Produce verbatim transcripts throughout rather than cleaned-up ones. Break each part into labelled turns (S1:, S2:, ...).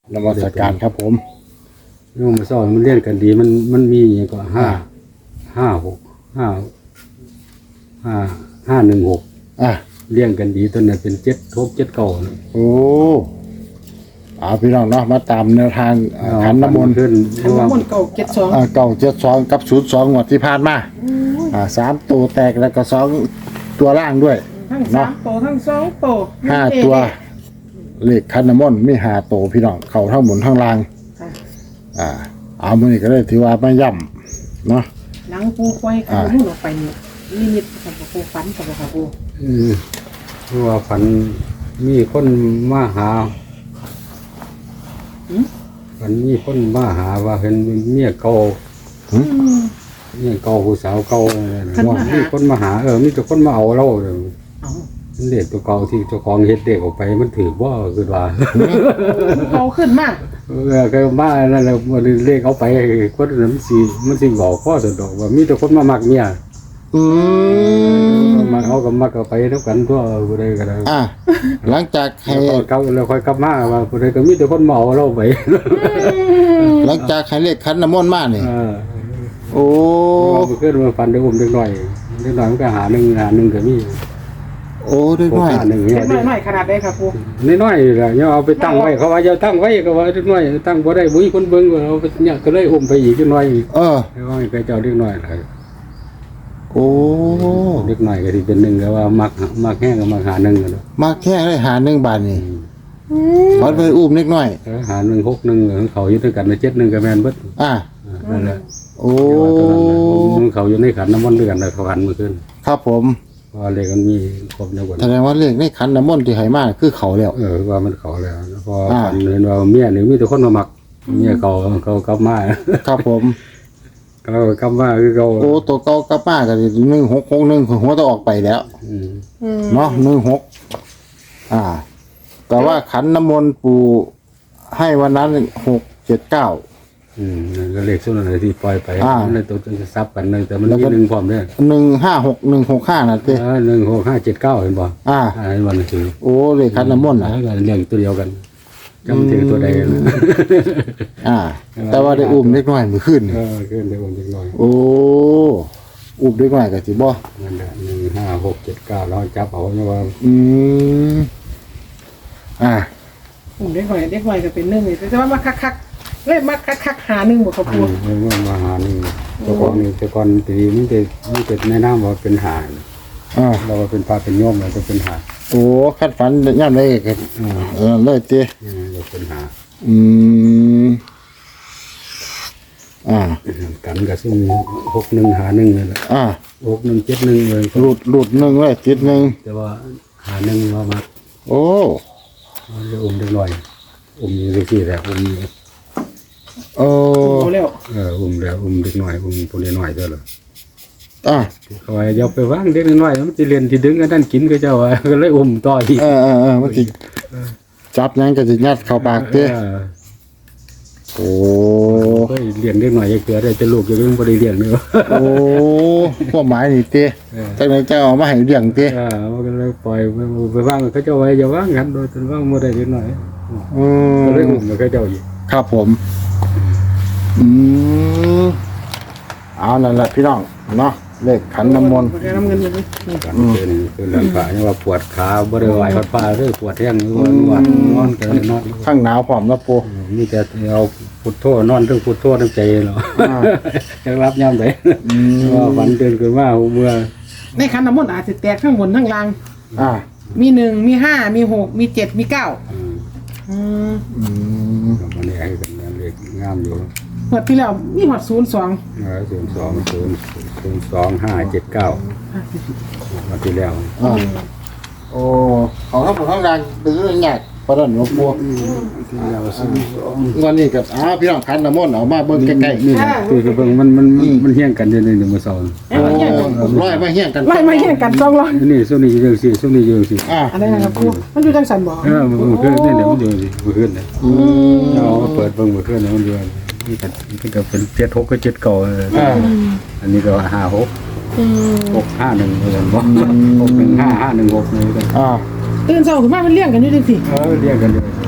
S1: นมัสการครับผม
S2: โยมมาสอนมันเรียนกันดีมันมันมีอย่างก็ห้าห้าหกห้าห้าห้าหนึ่งหก
S1: อ่ะ
S2: เรียงกันดีตัวนั้นเป็นเจ็ดทบเจ็ดเก่า
S1: โอ้เอาพี่น้องเนาะมาตามแนวทางขันน้ำมนต์
S2: ขึ้น
S3: ขันน้ำมนต์เก่าเจ็ดสอง
S1: อ่าเก่าเจ็ดสองกับศูนย์สองงวดที่ผ่านมาอ่าสามตัวแตกแล้วก็สองตัวล่างด้วย
S3: ทั้งสามโตทั้งสองโต
S1: ห้าตัวเลขขันน้ำมนต์มีห้าตัวพี่น้องเข่าทั้งบนทั้งล่าง
S3: ค่ะ
S1: อ่าเอามือนี้ก็เลยถือว่าไม่ย่ำเนาะ
S3: หลังปูปล่อยขันน้ำมนต์ออกไปเนี่ยนิมิตกับปูฝันกับปู
S2: อืมเพราะว่าฝันมีคนมาหาฝันมีคนมาหาว่าเห็นเมียเก่าเมียเก่าผู้สาวเก่าว่ามีคนมาหาเออมีแต่คนมาเอาเราเด้อ
S3: เอา
S2: มันเด็กตัวเก่าที่เจ้าของเฮ็ดเด็กออกไปมันถือว่าคือว่า
S3: เก่าขึ้นมาก
S2: เออก็มาแล้วแล้วมันเลขเอาไปคนนั้นมันสิมันสิบอกพ่อสะดอกว่ามีแต่คนมามักเมีย
S1: อืม
S2: มาเอากับมักเอาไปเท่ากันทั่วผู้ใดก็ได้
S1: อ่ะหลังจากให้
S2: แล้วก็แล้วค่อยกลับมาว่าผู้ใดก็มีแต่คนเมาเราไป
S1: หลังจากให้เลขขันน้ำมนต์มาเนี่ย
S2: เออ
S1: โอ้
S2: เอาไปขึ้นมาฟันได้อุ้มเด็กหน่อยเด็กหน่อยมันก็หาหนึ่งหาหนึ่งก็มี
S1: โอ้ด้วย
S2: พวก
S1: น้อย
S2: หาหนึ่งเนี่ย
S3: เล็กน้อยๆขนาดได้ค่ะปู
S2: น้อยๆล่ะเนี่ยเอาไปตั้งไว้เขาว่าจะตั้งไว้ก็ว่าเด็กน้อยตั้งบ่ได้บุ้ยคนเบิ่งว่าเอาไปเนี่ยก็เลยอุ้มไปอีกจักหน่อย
S1: เออ
S2: ให้ว่าให้ไปเจ้าเด็กน้อยล่ะ
S1: โอ้
S2: เด็กหน่อยก็ที่เป็นหนึ่งก็ว่ามักมักแห้งก็มักหาหนึ่งกันเนาะ
S1: มาแค่ได้หาหนึ่งบาทนี่ขอไปอุ้มเล็กน้อย
S2: เออหาหนึ่งหกหนึ่งของเขาอยู่ด้วยกันในเจ็ดหนึ่งก็แม่นเบิด
S1: อ่ะ
S2: นั่นแหละ
S1: โอ้
S2: มันเขาอยู่ในขันน้ำมันต์ด้วยกันเลยเขาขันมาขึ้น
S1: ครับผม
S2: เพราะเลขมันมีครบเยอะกว่า
S1: แสดงว่าเลขในขันน้ำมนต์ที่ไหมาคือเขาแล้ว
S2: เออว่ามันเขาแล้วพอ
S1: อ่า
S2: ฝันเห็นว่าเมียหนึ่งมีแต่คนมาหมักเมียเขาเขากลับมา
S1: ครับผม
S2: เขากลับมาคือเขา
S1: โอ้ตัวเก่ากลับมากันหนึ่งหกหกหนึ่งหัวต้องออกไปแล้ว
S2: อืม
S1: เนาะหนึ่งหกอ่า แต่ว่าขันน้ำมนต์ปูให้วันนั้นหกเจ็ดเก้า
S2: อืมนั่นก็เลขส่วนอะไรที่ปล่อยไป
S1: อ่า
S2: ในตัวจะซับกันเลยแต่มัน
S1: แล้ว
S2: มี
S1: ก็
S2: หนึ่งพร้อมด้วย
S1: หนึ่งห้าหกหนึ่งหกห้านะเต้
S2: เออหนึ่งหกห้าเจ็ดเก้าเห็นป่ะ
S1: อ่า
S2: อ่าวันนี้คือ
S1: โอ้เลขขันน้ำมนต์
S2: แล้
S1: นะ
S2: วก็เรียงตัวเดียวกันจำถึงตัวใดนะ
S1: อ่า แต่ว่าได้อุ้มเล็กน้อยมือขึ้น
S2: เออขึ้นได้วันเล็กน้อย
S1: โอ้อุ้มเล็กน้อยกับสิบ่
S2: นั่นแหละหนึ่งห้าหกเจ็ดเก้าเราจับเอาเนี่ยว่า
S1: อืมอ่า
S3: ผมเด็กน้อยเด็กน้อยก็เป็นหนึ่งเลยแต่ว่ามาคักๆเลยมาคักๆหาหนึ่งหมดค่ะปู
S2: เมื่อมาหาหนึ่งแต่ก่อนนี่แต่ก่อนตีมันจะมันจะแนะนำว่าเป็นหา
S1: อ่า
S2: เราว่าเป็นปลาเป็นโยมเราจะเป็นหา
S1: โอ้คัดฝันย่ำได้ก็
S2: อ่า
S1: เออเลยเต้
S2: เราเป็นหา
S1: อืมอ่า
S2: กันกับซึ่งหกหนึ่งหาหนึ่งนี่แหละ
S1: อ่า
S2: หกหนึ่งเจ็ดหนึ่งเลย
S1: หลุดหลุดหนึ่งเลยจิตหนึ่ง
S2: แต่ว่าหาหนึ่งว่ามา
S1: โอ้
S2: จะอุ้มเล็กน้อยอุ้มอยี่สิบสี่แต่อุ้ม
S1: โอ้
S3: โอ้แล้ว
S2: เอออุ้มแล้วอุ้มเด็กน้อยอุ้มตัวเล็กน้อยเท่าไหร่
S1: อ่า
S2: เขาว่าอย่าไปว่างเด็กน้อยมันจะเรียนที่ดึงกันนั่นกินก็เจ้าว่าก็เลยอุ้มต่ออีก
S1: เออเออเออมันสิจับยังก็สิยัดเข้าปากเต้
S2: เออ
S1: โอ้
S2: เฮ้ยเลี้ยงเด็กน้อยอย่าเกลือได้แต่ลูกอย่าเพิ่งบ่ได้เลี้ยงเด้อ
S1: โอ้พวกหมายนี่เต้
S2: เออ
S1: จังไดจะเอามาให้เลี้ยงเต้
S2: เออมันก็เลยปล่อยไปไปว่างเขาเจ้าไว้อย่าว่างกันโดยจนว่างบ่ได้เด็กน้อย
S1: อื
S2: ก็เลย
S1: ม
S2: อุ้มแล้วเขาเจ้าอีก
S1: ครับผม อืมเอานั่นแหละพี่น้องเนาะเลขขันน้ำมนต์
S3: บ่ได้น้ำเงินอยู่นี่นี่
S2: กันเป็นคือหลังขาเนี่ยว่าปวดขาบ่ได้ไหววัดฟ้าเด้อปวดแห้งอยู่ว่านอนนอนก็เลยนอน
S1: ข้างหนาวพร้อมแล้วปู
S2: มีแต่เอาพุทโธนอนทั้งพุทโธทั้งใจเนาะ
S1: อ่า
S2: จะรับยามใด
S1: อืม
S2: ว่าฝันตื่นขึ้นมาหัวเมื่อ
S3: ในขันน้ำมนต์อาจจะแตกทั้งบนทั้งล่าง
S1: อ่า
S3: มีหนึ่งมีห้ามีหกมีเจ็ดมีเก้า
S2: อืม
S3: อืม
S1: อืม
S2: มันนี่ให้กันนั่นเลยงามอยู่
S3: หมดที่แล้วมีหมดศูนย์สอง
S2: ศูนย์สองศูนย์ศูนย์สองห้าเจ็ดเก้ามาที่แล้ว
S1: อ่าโอ้ของทั้งหมดทั้งดังเป็นเรื่องใหญ่ประเด็นหลวงปู่
S2: ที่แล้วศูนย์สอง
S1: วันนี้กับอ้าวพี่น้องขันน้ำมนต์เอามาเบิ่งใกล้ๆ
S2: นี่คือคือเบิ่งมันมันมันมันเฮี้ยงกันอยู่ในหนึ่งมือสอง
S3: เอ้ยมาเยี่ยมกัน
S1: ร้อยมาเฮี้ยงกัน
S3: ไล่มาเยี่ยมกันสองร้อย
S2: นี่ส่วนนี้เยอะสิส่วนนี้เยอะสิ
S1: อ่า
S3: อะไรนะครับครูมันอยู่จังสันบ่
S2: เออมันคือนี่เดี๋ยวมันเยอะสิมันขึ้นเลย
S1: อืม
S2: เราเปิดเบิ่งมันขึ้นเลยมันเยอะนี่ก็นี่ก็เป็นเจ็ดหกก็เจ็ดเก่า
S1: อ่า
S2: อันนี้ก็ห้าหก
S3: อืม
S2: หกห้าหนึ่งเหมือนกันบ่หกหนึ่งห้าห้าหนึ่งหกนี่กัน
S1: อ่า
S3: ตื่นเช้าขึ้นมามันเลี้ยงกันอยู่จังสิ
S2: เออเรียกกันเลย
S3: โ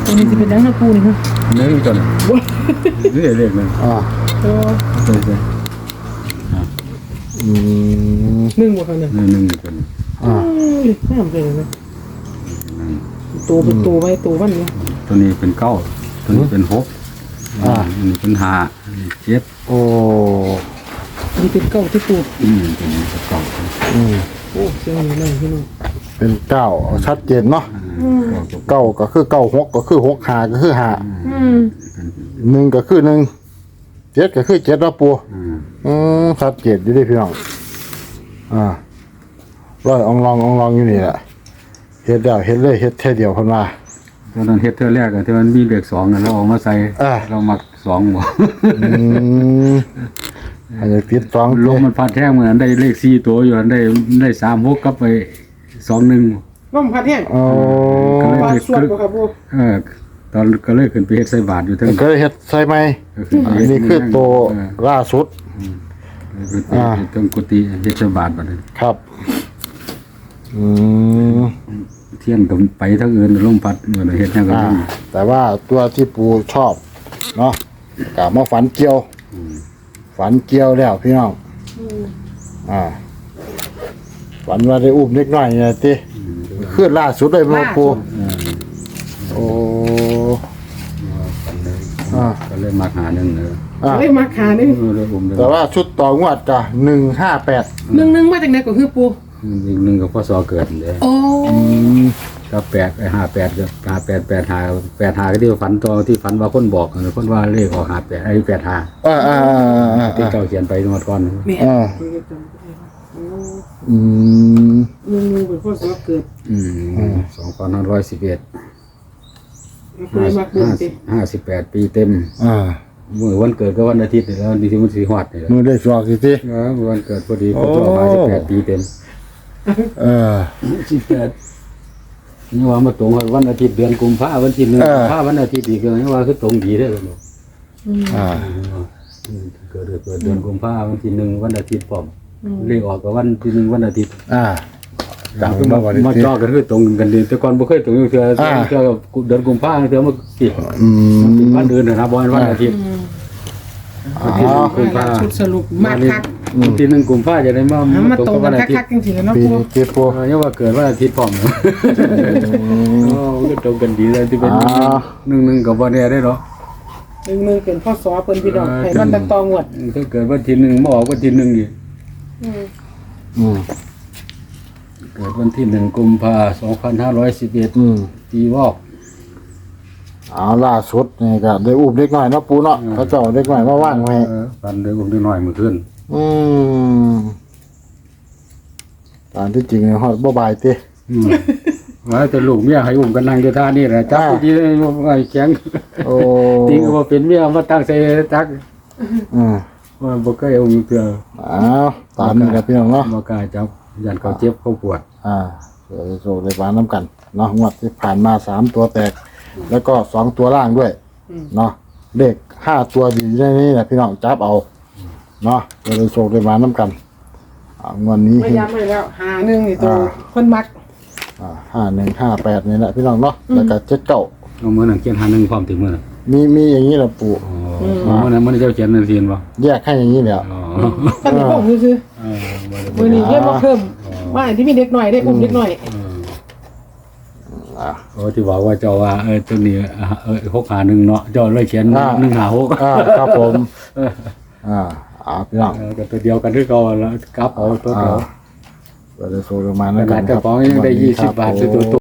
S3: ตัวนี้จะเป็นยังนะปูนี่ฮะ
S2: หนึ่งจนนี่เลขหนึ่ง
S1: อ่า
S3: ตัว
S2: ใช่ใช่
S1: อืม
S3: หนึ่งบ่ค่ะเนี่ย
S2: หนึ่งหนึ่งจน
S1: อ่า
S3: เอ้ยน้ำเลยนะตัวเป็นตัวไว้ตัวมันเนี่ย
S2: ตัวนี้เป็นเก้าตัวนี้เป็นหก
S1: อ่า
S2: อันนี้เป็นห้าอันนี้เจ็ด
S1: โอ้
S3: นี่เป็นเก้าที่ปู
S2: อืมตัวนี้เป็นเก้า
S1: อืม
S3: โอ้เสียงอยู่นั่นพี่น้อง
S1: เป็นเก้าชัดเจนเนาะ
S3: อืม
S1: เก้าก็คือเก้าหกก็คือหกหาก็คือหา
S3: อืม
S1: หนึ่งก็คือหนึ่งเจ็ดก็คือเจ็ดแล้วปู
S2: อืม
S1: อืมชัดเจนอยู่ดิพี่น้องอ่าร้อยอองลองอองลองอยู่นี่แหละเฮ็ดแล้วเฮ็ดเลยเฮ็ดแค่เดียวเพิ่นว่า
S2: ตอนนั้นเฮ็ดเท่าแรกอะที่มันมีเลขสองอะเราเอามาใส่
S1: อ่า
S2: เรามักสองบ่
S1: อืมอาจจะติดสอง
S2: ลมมันพัดแท่งเหมือนได้เลขสี่ตัวอยู่อันได้ได้สามหกกับไปสองหนึ่ง
S3: ลมพัดแห้ง
S1: โอ้
S2: ก็เลย
S3: ว่าสวดบ่ครับปู
S2: เออตอนก็เลยขึ้นไปเฮ็ดใส่บาทอยู่เทั้ง
S1: ก็เฮ็ดใส่ไหม
S2: ก็ขึ้นไป
S1: อัน
S2: เฮ็ด
S1: นี้คือตัว
S2: เออ
S1: ล่าสุด
S2: ขึ้นไปเฮ็ดเทั้งกุฏิเฮ็ดใส่บาทบัดนี้
S1: ครับ อืม
S2: เที่ยงก็ไปทั้งอื่นลมพัดเหมือนเฮ็ดหยังก็
S1: อ่า
S2: ได้
S1: แต่ว่าตัวที่ปูชอบ เนาะกะมาฝันเกี่ยว ฝันเกี่ยวแล้วพี่น้อง อ่า ฝันว่าได้อุ้มเล็กน้อยเนี่ยติขึ้นล่าสุดเลยมาปู โอ้ อ่า
S2: ก็เลยมาหาหนึ่งเออ
S1: อ่า
S3: เลยมาขาหนึ่ง
S2: เออเลยอุ้มเลย
S1: แต่ว่าชุดต่องวดกะหนึ่งห้าแปด
S3: หนึ่งหนึ่งมาจากไหนก็คือปู
S2: อีกหนึ่งก็พศเกิดเลย
S3: โอ้
S2: ก็แปดไอ้ห้าแปดก็ห้าแปดแปดห้าแปดห้าก็ที่ฝันตัวที่ฝันว่าคนบอกเออคนว่าเลขออกห้าแปดไอ้แปดห้า
S1: อ่าอ่าอ่าอ่า
S2: ที่เจ้าเขียนไปเมื่อก่อน
S3: แม่
S1: อ่าอืม
S3: หนึ่งหนึ่งเป็นพ่อสวเกิด
S2: อืมสองพันห้าร้อยสิบเอ็ด
S3: เคยมาเกิดสิ
S2: ห้าสิบแปดปีเต็ม
S1: อ่า
S2: เมื่อวันเกิดก็วันอาทิตย์นี่แล้ววันที่มันสีหอดนี่แหละ
S1: มือได้สอกสิติ
S2: เออวันเกิดพอดีครบรอบห้าสิบแปดปีเต็ม
S1: เออ
S2: สิบแปดนี่ว่ามาตรงกับวันอาทิตย์เดือนกุมภาพันธ์วันที่หนึ่ง
S1: เออ
S2: กุมภาพันธ์วันอาทิตย์อีกเลยว่าคือตรงดีได้เลย
S1: อ่า
S2: เกิดเกิดเดือนกุมภาพันธ์วันที่หนึ่งวันอาทิตย์พร้อมเลขออกกับวันที่หนึ่งวันอาทิตย์
S1: อ่า
S2: จางมามาจอกันคือตรงกันดีแต่ก่อนบ่เคยตรงอยู่เทื่อ
S1: อ่า
S2: เทื่อเดือนกุมภาพันธ์เทื่อมาสิ
S1: อืม
S2: วันอื่นนะบ่วันอาทิตย์
S1: อ๋อ
S2: กุมภา
S3: ชุดสรุปมากคัก
S2: วันที่หนึ่งกุมภาพันธ์จะได้มา
S3: เอามา
S2: ตรง
S3: ตรง
S2: กับ
S3: กั
S2: วัน นอาทิต
S3: คัก
S2: ย์
S3: ๆจริงๆแล้วเนาะ
S1: ปี
S3: ปู
S1: เจ็ดปู
S2: เออยังว่าเกิดวันอาทิตย์พร้อมอ๋อก็ตรงกันดีเลยที่เป็น
S1: อ่า
S2: หนึ่งหนึ่งกับบ่แน่ได้หรอ
S3: หนึ่งหนึ่งเป็นพ่อสวเพิ่นพี่น้องให้มันตะตองวด
S2: ถ้าเกิดวันที่หนึ่งบ่ออกวันที่หนึ่งอีก
S1: อืม
S2: เกิดวันที่หนึ่งกุมภาสองพันห้าร้อยสิบเอ็ด
S1: อืม
S2: ปีวอก
S1: เอาล่าสุดนี่ก็ได้อุ้มเล็กน้อยเนาะปูเนาะเขาเจ้าเล็กน้อยมาว่างไว้
S2: เออฟันเดืออุ้มนิดหน่อยมือขึ้น
S1: อืมตามที่จริงฮอดบ่บายติ
S2: อืมว่าแต่ลูกเมียให้อุ้มกันนั่งอยู่ท่านี่แหละจับ
S1: อ่า
S2: ดีเลยไอ้แข็ง
S1: โอ้
S2: จริงก็บ่เป็นเมียมาตั้งใส่ตัก
S1: อืม
S2: ว่าบ่เคยอุ้มเทื่อ
S1: อ้าวตามนี้แหละพี่น้องเนาะ
S2: บ่กล้าจับยันเขาเจ็บเขาปวด
S1: อ่าเดี๋ยวจะโชว์ในบ้านน้ำกันเนาะงวดที่ผ่านมาสามตัวแตก แล้วก็สองตัวล่างด้วยเนาะเลขห้าตัวดีในนี้นะพี่น้องจับเอาเนาะเดี๋ยวจะโชว์ในบ้านน้ำกันอ่างวดนี้
S3: ไม่ย้ำให้แล้วหาหนึ่งนี่ตัวคนมัก
S1: อ่าห้าหนึ่งห้าแปดนี่แหละพี่น้องเนาะแล้วก็เจ็ดเก้า
S2: เอามื้อนั้นเขียนหาหนึงพร้อมถึงมื้อนั้น
S1: มีมีอย่างนี้แหละปู่
S2: อ๋อมื้อนั้นมื้อนั้นเจ้าเขียนนั่นเขียนบ่
S1: แยกให้อย่างนี้เนี่ย
S2: อ๋อ
S3: ท่านบอกคือ
S2: เออบ่ได้
S3: มือนี้เยี่ยมมาเพิ่มว่าที่มีเด็กหน่อยได้อุ้มเด็กหน่อย
S1: อ่า
S2: โอ้ที่บอกว่าเจ้าว่าเออตัวนี้อ่าเออหกหาหนึ่งเนาะเจ้าเลยเขียน
S1: อ่า
S2: หนึ่งหาหก
S1: อ่าครับผมอ่าอ่าพี่น้อง
S2: เออก็ตัวเดียวกันที่เก่าแล้วกลับเอาตัว
S1: อ่า
S2: เดียว
S1: เดี๋ยวจะโชว์ในบ้าน
S2: ข
S1: น้ำกั
S2: นาด
S1: นค
S2: เจ้า
S1: รับ
S2: ของยังได้ยี่สิบบาท
S1: สวัส
S2: ซื้อ
S1: ดี
S2: ตัว
S1: ครับ